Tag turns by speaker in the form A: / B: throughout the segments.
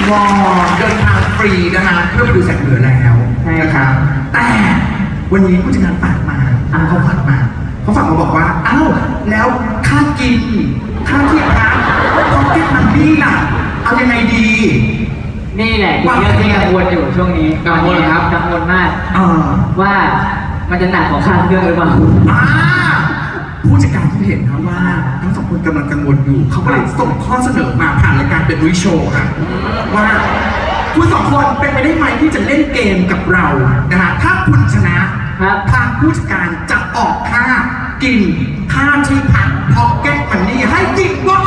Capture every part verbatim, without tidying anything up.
A: วอเดินทางฟรีนะฮะเพื่อไปดูแสงเหนือแล้วนะครับแต่วันนี้ผู้จัดการฝากมาเขาฝากมาเขาฝากมาบอกว่าอ้าวแล้วค่ากินค่าที่พักพ็อกเก็ตมันนี่ล่ะเอายังไงดี
B: นี่แหละคือเรื่องที่กังวลอยู่ช่วงนี้
C: กังวลครับ
B: กังวลมาก
A: อ่า
B: ว่ามันจะหนักกว่าค่าเครื่องหรือเปล่า
A: อ่าผู้จัดการที่เห็นครับว่าทั้งสองคนกำลังกังวลอยู่เขาก็เลยส่งข้อเสนอมาผ่านรายการเป็นวิโชว์ครับว่าคุณสองคนเป็นไปได้ไหมที่จะเล่นเกมกับเรานะฮะถ้าคุณชนะครับ ทางผู้จัดการจะออกค่ากินค่าที่พักพ็อกเก็ตมันนี่ให้จริงวะ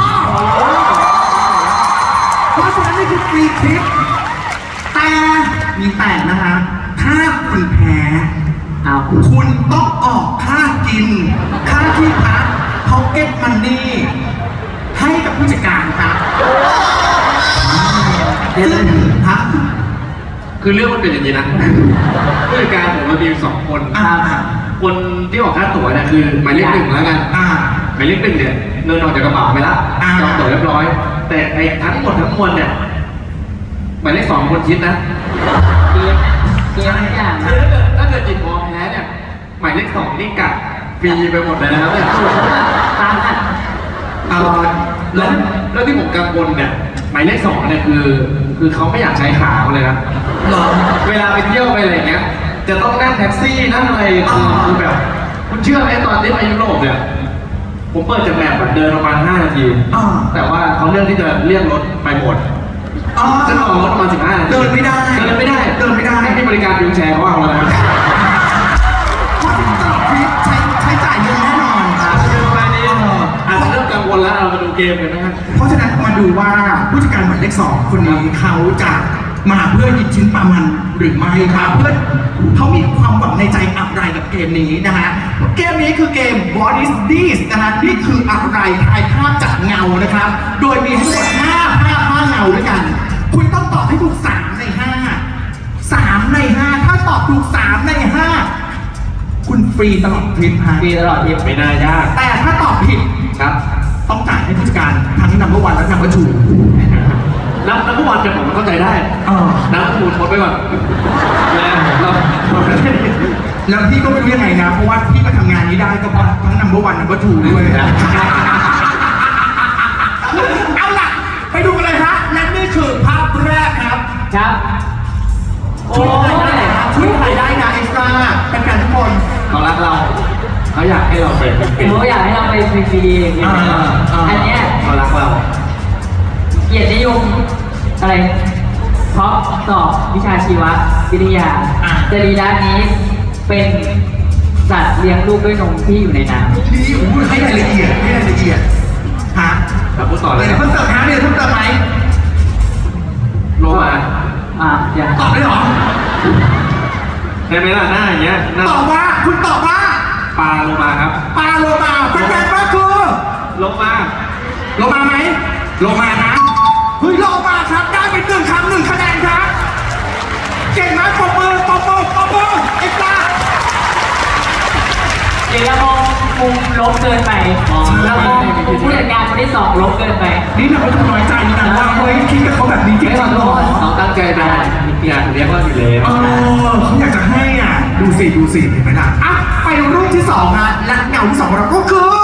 A: เพราะฉะนั้นนี่คือฟรีทริปแต่มีแต่นะฮะถ้าคุณแพ้
B: เอา
A: คุณต้องออกค่ากิน ค่าที่พักพ็อกเก็ตมันนี่ให้กับผู้จัดการครับซึ่งพัก
C: คือเรื่องมันเป็นอย่างนี้นะผู้จัดการผมเรามีอยู่สองคน
A: อ่า
C: คนที่ออกค่าตั๋วเนี่ยคือหมายเลขหนึ่งแล้วกัน
A: อ่า
C: หมายเลขหนึ่งเนี่ยเงินออกจากกระเป๋าไปละ
A: อ่า
C: จองตั๋วเรียบร้อย แต่ไอ้ทั้งหมดทั้งมวลเนี่ยหมายเลขสองคนคิดนะ
B: เกมเกมทุกอย่าง
C: คือถ้าเกิดถ้าเกิดจิตพอแพ้เนี่ยหมายเลขสองนี่กัดฟรีไปหมดเลยนะครับเนี่ย
B: ตามอ่ะ
A: เอ่อ
C: แล้
A: แล้ว ว
C: แล้วที่ผมกังวลเนี่ยหมายเลขสองเนี่ยคือ คือเขาไม่อยากใช้ขาเขาเลยนะ
A: เหรอ
C: เวลาไปเที่ยวไปอะไรอย่างเงี้ย จะต้องนั่งแท็กซี่นั่งอะไรคือคือแบบ คุณเชื่อไหมตอนที่ไปยุโรปเนี่ย ผมเปิดจากแมปอะเดินประมาณห้านาที
A: อ่า
C: แต่ว่าเขาเลือกที่จะเรียกรถไปหมด
A: อ๋อ
C: จะออกรถประมาณสิบห้านาที
A: เดินไม่ได้
C: เดินไม่ได้
A: เดินไม่ได้
C: ให้บริการวิวแชร์เขาเอาแล้วนะ
A: เพราะฉะนั้นตลอดทริปใช้ใช้จ่ายเยอะแน่นอนครับ
C: ประมาณนี้อาจจะเริ่มกังวลแล้วเรามาดูเกมกันนะฮะ
A: เพราะฉะนั้นมาดูว่าผู้จัดการหมายเลขสองคนนี้เขาจะมาเพื่อหยิบชิ้นปลามันหรือไม่ครับเพื่อเขามีความหวังในใจอะไรกับเกมนี้นะฮะเกมนี้คือเกม What is this นะฮะนี่คืออะไรทายภาพจากเงานะครับ โดยมีทั้งหมดห้าภาพห้าเงาด้วยกัน คุณต้องตอบให้ถูกสามในห้าสามในห้าถ้าตอบถูกสามในห้าคุณฟรีตลอดทริปฮะ
B: ฟรีตลอดทริป
C: ไม่น่ายาก
A: แต่ถ้าตอบผิด
C: ครับ
A: ต้องจ่ายให้ผู้จัดการทั้งนัมเบอร์วันและนัมเบอร์ทู
C: นับนับเมื่อวานจะผมเข้าใจได้
A: เออ
C: นับมูลทดไปก่อนแล้วเราเราไม่ได้
A: แล้วพี่ก็ไม่รู้ยังไงนะ เพราะว่าพี่มาทำงานนี้ได้ก็เพราะทั้งนัมเบอร์วันนัมเบอร์ทูด้วย เอาล่ะ ไปดูกันเลยฮะและนี่คือภาพแรกครับ
B: ครับ โอ้
A: ช่วยถ่ายได้
B: ย
A: นะช่วยถ่ายได้นะเอ็กซ์ตร้าเป็นการทุกคน
C: เขารักเราเขาอยากให้เราเป็นเป็น
B: เขาอยากให้เราไปฟรีๆอย่างเงี้ย
A: อ่าอ่า
B: อันเนี้ย
C: เขารักเรา
B: เกียรตินิยมอะไรเพราะสอบวิชาชีววิทยา
A: อ่า
B: จรีระนี้เป็นสัตว์เลี้ยงลูกด้วยนมที่อยู่ในน้ำ
A: นี่อู้ให้รายละเอียดให้รายละเอียดฮะ
C: ครับพูดต่อเลย
A: เดี๋ยวเพิ่มเติมนะเดี๋ยวเพิ่มเติมไหม
C: โลมา
B: อ่าอย่าง
A: ตอบได้เหรอ
C: ได้ไหมล่ะหน้าอย่างเงี้ยหน้า
A: ตอบว่าคุณตอบว่า
C: ปลาโลมาครับ
A: ปลาโลมาเป็นแฟนว่าคือ
C: โลมา
A: โลมาไหมโลมานะเฮ้ยโลมาครับได้เป็นหนึ่งคำหนึ่งคะแนนครับเก่งมากปรบมือปรบมือปรบมือเอ็กซ์ตร้า
B: เดี๋ยวเรามองมุมลบเกินไปเรามองมุมผู้จัดการคนที่สองลบเกินไป
A: นี่เราไม่ต้องน้อยใจนะว่าเฮ้ยคิดกับเขาแบบนี้จริง
B: ไม่
A: ๆ
B: ขอ
A: เห
B: โท
A: รอ
B: ษ
C: เขาตั้งใจมาอยากเรียกว่าอยู่แล้ว
A: เออเขาอยากจะให้อ่ะดูสิดูสิเห็นไหมล่ะอ่ะไปรูปที่สองฮะและเงาที่สองของเราก็คือ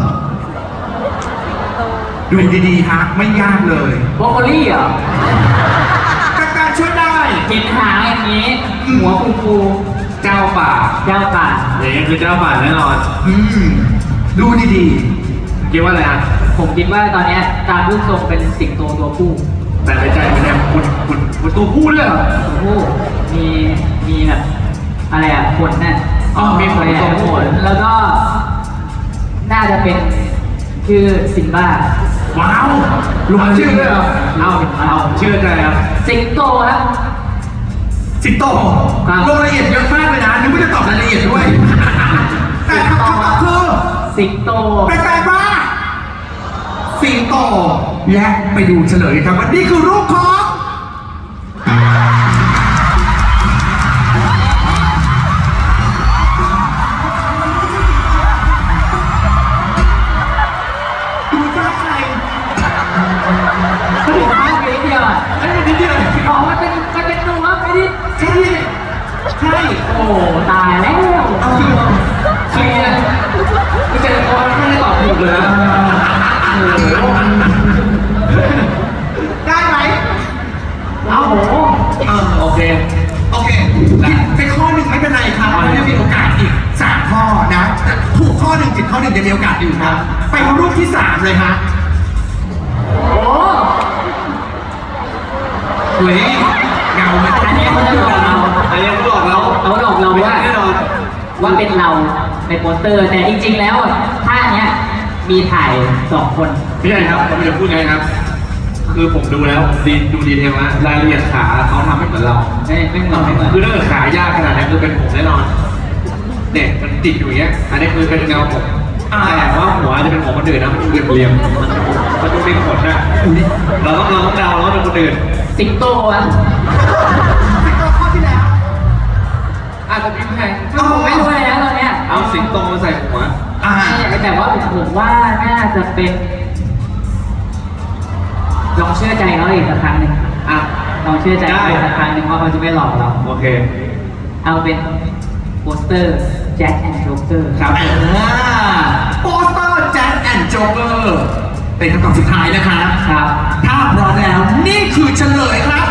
A: ดูดีๆฮะไม่ยากเลย
B: โบรอกโคลี่เหรอ
A: การการช่วยได้
B: เห็นหางอย่างนี้ หัวฟูฟู
C: เจ้าป่า
B: ๆเจ้าป่า
C: อย่างเงี้ยคือเจ้าป่าแน่นอน
A: อืมดูดี
C: คิดว่าอะไรอ่ะ
B: ผมคิดว่าตอนเนี้ยตามรูปทรงเป็นสิงโตตัวผู้
C: แต่ในใจมันเนี่ยคุณคุณคุณตัวผู้เลยเหรอ
B: ตัวผู้มีมีแบบอะไรอ่ะขนน่ะ
C: อ๋อมีขน
B: อะไร
C: ทรง
B: อ่ะ
C: ข
B: ข
C: น
B: นแล้วก็ น่าจะเป็นชื่อซิมบ้า
A: ๆว้าวลง
C: เอา
A: มา
C: ชื่
A: ชื่
C: อ
A: อ
C: เลยเหรอเอาเอาชื่อใจครับ
B: สิงโตครับ
A: สิงโต
B: ครับ
A: ลงรายละเอียดเยอะมากเลยนะนึกว่าจะตอบรายละเอียดด้วย แต่คำตอบคือ
B: สิงโต
A: เป็นแปลว่าสิงโตและไปดูเฉลยครับว่านี่คือรูปของดูจ้าใคร
B: ก็ถึงภาพเดียวอ่ะ
A: ไอ้ยนิดเดียวใช่
B: โอ้ตายแล้ว
A: เอาคือ
C: คือเนี่ยคือเจอเขาไม่ได้ตอบถูกเลยนะโอ้โห
A: ได้ไหม
B: เอาโห
A: เออ
C: โอเค
A: โอเคผิดไปข้อหนึ่งไม่เป็นไรครับเรายังมีโอกาสอีกสามข้อนะถูกข้อหนึ่งผิดข้อหนึ่งยังมีโอกาสอยู่ครับไปรูปที่สามเลยฮะ
B: โอ้
A: เฮ้ยเงามัน
B: อันนี้เขาจะหลอกเรา
C: อันนี้เขาหลอกเรา
B: เขาหลอกเรา
C: ไม่
B: ว่า
C: ใช่แน่นอน
B: ว่าเป็นเราในโปสเตอร์ แต่จริงๆแล้วท่าเนี้ยมีถ่ายสองคน
C: ไม่ใช่ครับผมจะพูดไงครับ คือผมดูแล้วดีดูดีเทลนะรายละเอียดขาเขาทำให้เหมือนเรา
B: ไม่ไม่เหมือนไม่เหมือน
C: คือถ้าเกิดขายากขนาดนั้นคือเป็นผมแน่นอนเนี่ยมันติดอยู่อย่างเงี้ย อันนี้คือเป็นเงาผมแต่ว่าหัวจะเป็นของคนอื่นนะมันเรียมเรียมๆมันมันดูเป็นขนนะเราต้องเราต้องเดาเราต้องเป็นคนอื่น
B: สิงโตอะ
A: ข้อที่แล้ว
C: อาจจะพิมพ์แพง
B: ผมไม่รู้เลยนะตอนเนี้ย
C: เอาสิงโตมาใส่หัว
A: อ่า
B: แต่ว่าผมว่าน่าจะเป็น ลองเชื่อใจเขาอีกสักครั้งหนึ่ง
C: อ่ะ
B: ลองเชื่อใจเขาอีกสักครั้งหนึ่งว่าเขาจะไม่หลอกเรา
C: โอเค
B: เอาเป็นโปสเตอร์แจ็คแอนด์โจ๊กเกอร์
C: ครับ
A: อ่าโปสเตอร์แจ็คแอนด์โจ๊กเกอร์เป็นคำตอบสุดท้ายนะครับ
B: ครับ
A: ถ้าพร้อมแล้วนี่คือเฉลยครับ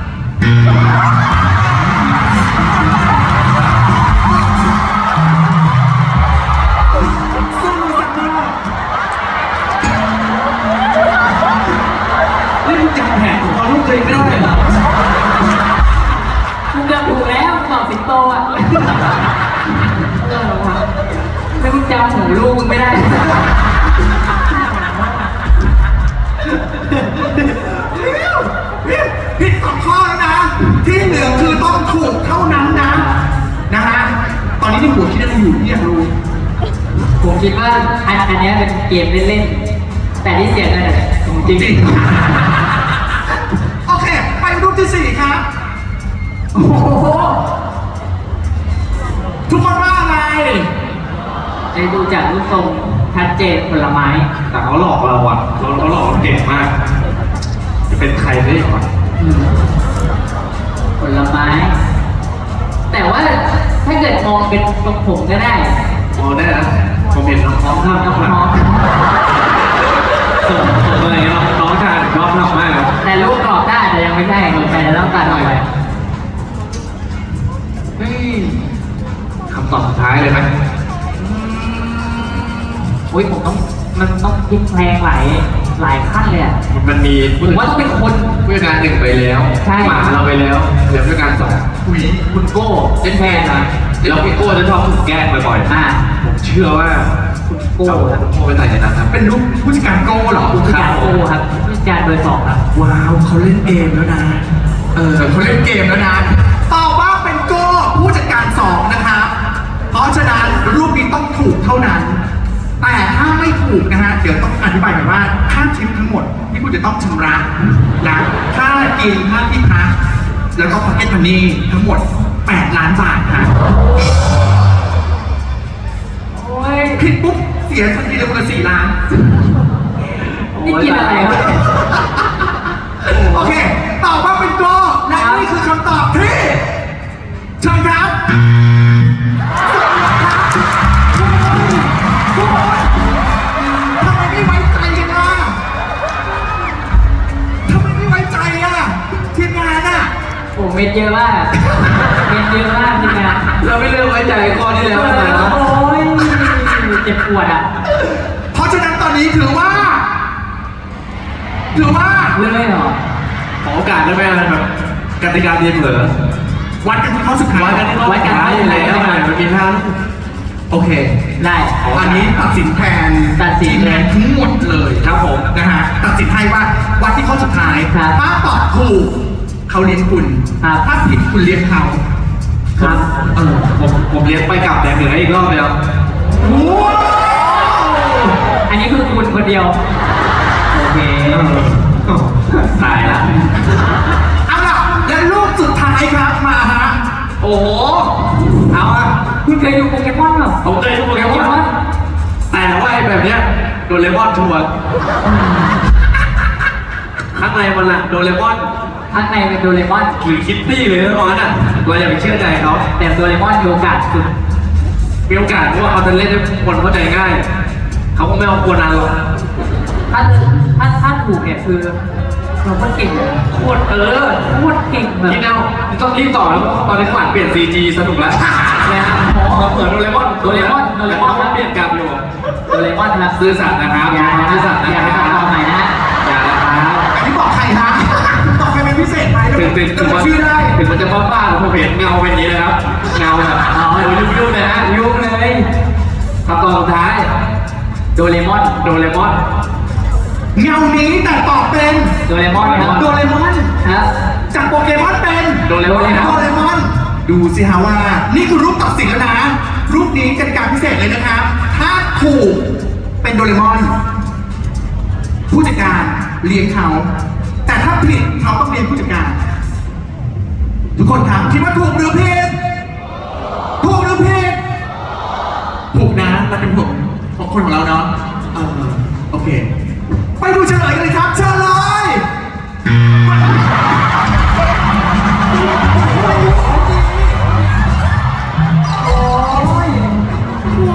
A: สู้สักหน่อย
C: นี่มึงจำแผนของเขาลูกตัวเองไม่ได้เหรอ
B: คุณเกือบถูกแล้วคุณบอกสิงโตอ่ะเออวะไม่มึงจำหูลูกมึงไม่ได้
A: ผิดสองข้อแล้วนะ ที่เหลือคือต้องถูกเท่านั้นนะ นะฮะ ตอนนี้ในหัวคิดอะไรอยู่ที่อยากรู้
B: ผมคิดว่าอันอันเนี้ยเป็นเกมเล่นๆ แต่ที่เสียเงินอะของจริง
A: จริง โอเค ไปรูปที่สี่ครับ
B: โอ้โห
A: ทุกคนว่าอะไร
B: ไอ้ดูจากรูปทรงชัดเจนผลไม้
C: แต่เขาหลอกเราอ่ะเราเขาหลอกเราเก่งมาก จะเป็นใครได้หรอ
B: อืมผลไม้ แต่ว่าถ้าเกิดมองเป็นตรงผมก็ได้
C: มองได้นะคอมเมนต์น้องๆ
B: น้อง
C: ทำ
B: น้
C: น้
B: อ
C: อง งๆส่งส่งอะไรเงี้ยน้องๆทานชอบทำมากครับ
B: แต่รูปกรอบได้แต่ยังไม่ใช่แต่จะต้องการออกไป
C: เฮ้ยคำตอบสุดท้ายเลยไหม
B: อุ้ยผมต้องมันต้องพลิกแพลงหลายหลายขั้นเลยอะ
C: มันมี
B: ผมว่าต้องเป็นคน
C: ผู้จัดการหนึ่งไปแล้ว
B: ใช่
C: หมาเราไปแล้วเหลือผู้จัดการสอง
A: อุ้ย
B: คุณโก้เล่นแทนนะ
C: แล้วพี่โก้จะชอบถูกแกล้งบ่อยๆ
B: อ่า
C: ผมเชื่อว่า
B: คุณโก้
C: เอา
B: ครับ
C: โก้ไปใส่ในนั้นครับ
A: เป็นรูปผู้จัดการโก้เหรอ
B: ผู้จัดการโก้ครับผู้จัดการเบอร์สองครับ
A: ว้าว เขาเล่นเกมแล้วนะ เออเขาเล่นเกมแล้วนะตอบว่าเป็นโก้ผู้จัดการสองนะครับ เพราะฉะนั้นรูปนี้ต้องถูกเท่านั้น แต่ถ้าไม่ถูกนะฮะ เดี๋ยวต้องอธิบายแบบว่าค่าทริปทั้งหมดที่คุณจะต้องชำระนะค่ากินค่าที่พักแล้วก็พ็อกเก็ตมันนี่ทั้งหมดแปดล้านบาทครับ
B: โอ้ย
A: ผิดปุ๊บเสียทันทีเลยคนละสี่ล้าน
B: นี่กินอะไรวะ
A: โอเค ตอบว่าเป็นโกและนี่คือคำตอบที่เชิญครับทุกคนทำไมไม่ไว้ใจกันล่ะทำไมไม่ไว้ใจอ่ะทีมงานอ่ะ
B: โอ้เม็ดเยอะมากเม็ดเยอะมากจริงนะ
C: เราไม่เลือกไว้ใจข้อที่แล้วนะ
B: โอ้ยเจ็บปวดอ่ะ
A: เพราะฉะนั้นตอนนี้ถือว่า ถือว่า
B: เลื่อนเลยเหรอ
C: ขอโอกาสได้ไหมอะไรแบบกติกาเดียเผลอ
A: วัดกันที่ข้อสุดท้าย
C: วัดกันที่ข้อ
B: วัดกัน
C: ท้ายอยู่แล้วมันมีท่า
A: โอเค
B: ได้
A: อันนี้ตัดสินแทน
B: ตัดสิน
A: ทีมงานทั้งหมดเลย
C: ครับผม
A: นะฮะตัดสินให้ว่าวัดที่ข้อสุดท้าย
B: ครับ
A: ถ้าตอบถูกเขาเลี้ยงคุณ
B: ครับ
A: ถ้าผิดคุณเลี้ยงเขา
B: ครับ
A: เออ
C: ผมผมเลี้ยงไปกลับแต่เหนืออีกรอบเดียว
A: โอ้โห
B: อันนี้คือคุณคนเดียว โอเค
C: ตายละ
A: เอาล่ะและรูปสุดท้ายครับมาฮะ
C: โอ้โห เอาอะ
B: คุณเคยดูโปเกมอนเหรอ
C: ผมเคยดูโปเกมอน แต่ว่าไอ้แบบเนี้ยโดเรมอนชัวร์ข้างในมันอะโดเรมอน
B: ข้างในเป็นโดเรมอน
C: หรือคิตตี้เลยนะตอนนั้นอ่ะเราอย่าไปเชื่อใจเขา
B: แต่โดเรมอนมีโอกาสสุด
C: มีโอกาสเพราะว่าเขาจะเล่นให้คนเข้าใจง่าย เขาก็ไม่เอาโคนันหรอก
B: ถ้าถ้าถ้าถูกเนี่ยคือเราก็เก่งเลย
C: โคตรเออ
B: โคตรเก่งแบบ
C: พี่แนวต้องรีบต่อแล้วเพราะตอนนี้ข้างหลังเปลี่ยน ซี จี สนุกแล้ว
B: นะครับ
C: พอเปิดโดเรมอน
B: โดเรมอนโดเรมอน
C: แล้วเปลี่ยนกลับอยู่
B: โดเรมอนครับ
C: ซื่อสัตย์นะครับ
B: อย่านะ
C: ซื่อสัตย์นะ
B: อย่า
C: ค
B: ไป
C: รับ
B: ตัดต่อใหม่นะ
C: อย่านะครับ
A: อันนี้บอกใครนะบอกใครเป็นพิเศษไหม
C: ถึงถึง
A: จะ
C: ถึง
A: บอ
C: มั
A: ก
C: น
A: ชื่อได้
C: ถึงมันจะบ้าบ้าๆผมเห็นเงาเป็นอย่างนี้เลยครับเงาแบบเอายุ่งยุ่งๆเลยฮะ
B: ยุ่งเลย
C: ครับตอนสุดท้าย
B: โดเรมอน
C: โดเรมอน
A: เงานี้แต่ตอบเป็น
B: โดเรมอนครับ
A: โดเรมอน
B: ครับ
A: จากโปเกมอนเป็น
C: โดเรมอนครับ
A: โดเรมอน ดูสิฮะว่า นี่คือรูปตัดสินแล้วนะ รูปนี้กติกาพิเศษเลยนะครับ ถ้าถูกเป็นโดเรมอน ผู้จัดการเลี้ยงเขา แต่ถ้าผิดเขาต้องเลี้ยงผู้จัดการ ทุกคนครับคิดว่าถูกหรือผิดถูกหรือผิดถูกนะเราเป็นผมของคนของเราเนาะเออโอเค ไปดูเฉลยกันเลยครับเชิญเลย โอ้ยคุณหมู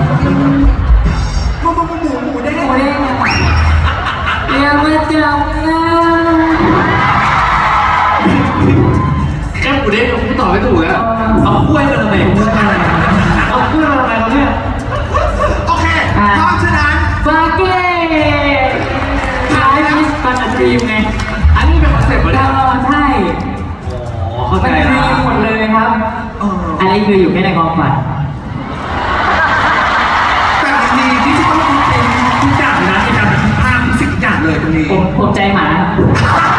A: หมูหมูหมูเด้ง
B: โอ้ยอย่ามาจับนะ
C: แค่หมูเด้งผมตอบไม่ถูกแล้วเอากล้วยมาทำไมเอากล้วยมาทำไมเขาเนี่ย
A: โอเคเพราะฉะนั้น
B: ฟาเก้ขายมิสปันดรีมไง
C: อันนี้เป็นคอนเซ็ปต์เหรอ
B: เอ
C: เนี่ย
B: อใช่
C: อ๋อเข้าใจ
B: มันด
C: แล้
B: รี
C: ว
B: มหมดเลยครับ
A: เออ
B: อันนี้คืออยู่แค่ในความฝัน
A: แต่มันมีดิจิตอลคอนเทนต์ทุกอย่างเลยนะในการบันทึกภาพทุกสิ่งทุกอย่างเลยตรงนี้
B: ผมผมใจหมาครับ